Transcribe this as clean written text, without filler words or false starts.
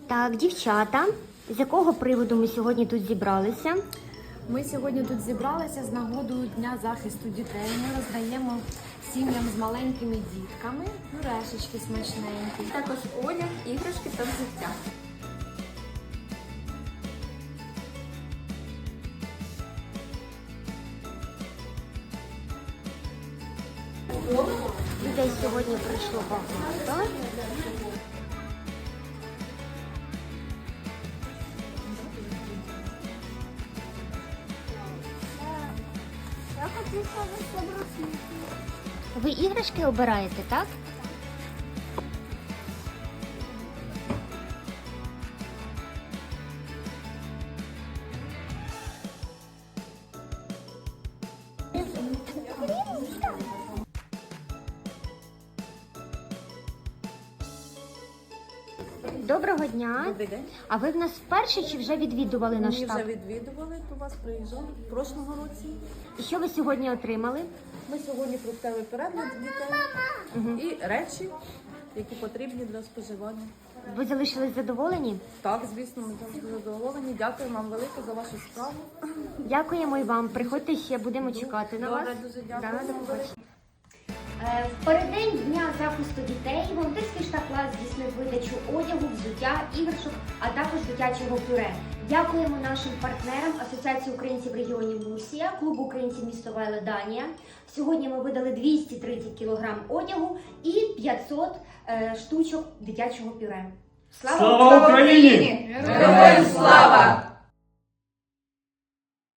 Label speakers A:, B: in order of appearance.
A: Так, дівчата, з якого приводу ми сьогодні тут зібралися?
B: Ми сьогодні тут зібралися з нагодою Дня захисту дітей. Ми роздаємо сім'ям з маленькими дітками пюрешечки смачненькі.
C: Також одяг, іграшки та взуття.
A: Людей сьогодні прийшло багато.
C: Я хочу собрати.
A: Ви іграшки обираєте, так? Доброго дня.
D: Добрий день.
A: А ви в нас вперше чи вже відвідували наш
D: Ми
A: штаб?
D: вже відвідували, до вас приїжджали в прошлому році.
A: І що ви сьогодні отримали?
D: Ми сьогодні фруктовий перед для дітей і речі, які потрібні для споживання.
A: Ви залишились задоволені?
D: Так, звісно, ми завжди задоволені. Дякую вам велике за вашу справу.
A: Дякуємо і вам. Приходьте ще, будемо чекати на вас.
D: Добре, дуже дякую.
A: Да, до побачення. В переддень Дня захисту дітей волонтерський штаб ЛАЗ здійснив видачу одягу, взуття, іграшок, а також дитячого пюре. Дякуємо нашим партнерам Асоціації українців регіонів Лусія, клубу українців місто Вайле Данія. Сьогодні ми видали 230 кг одягу і 500 штучок дитячого пюре.
E: Слава Україні!
C: Героям слава!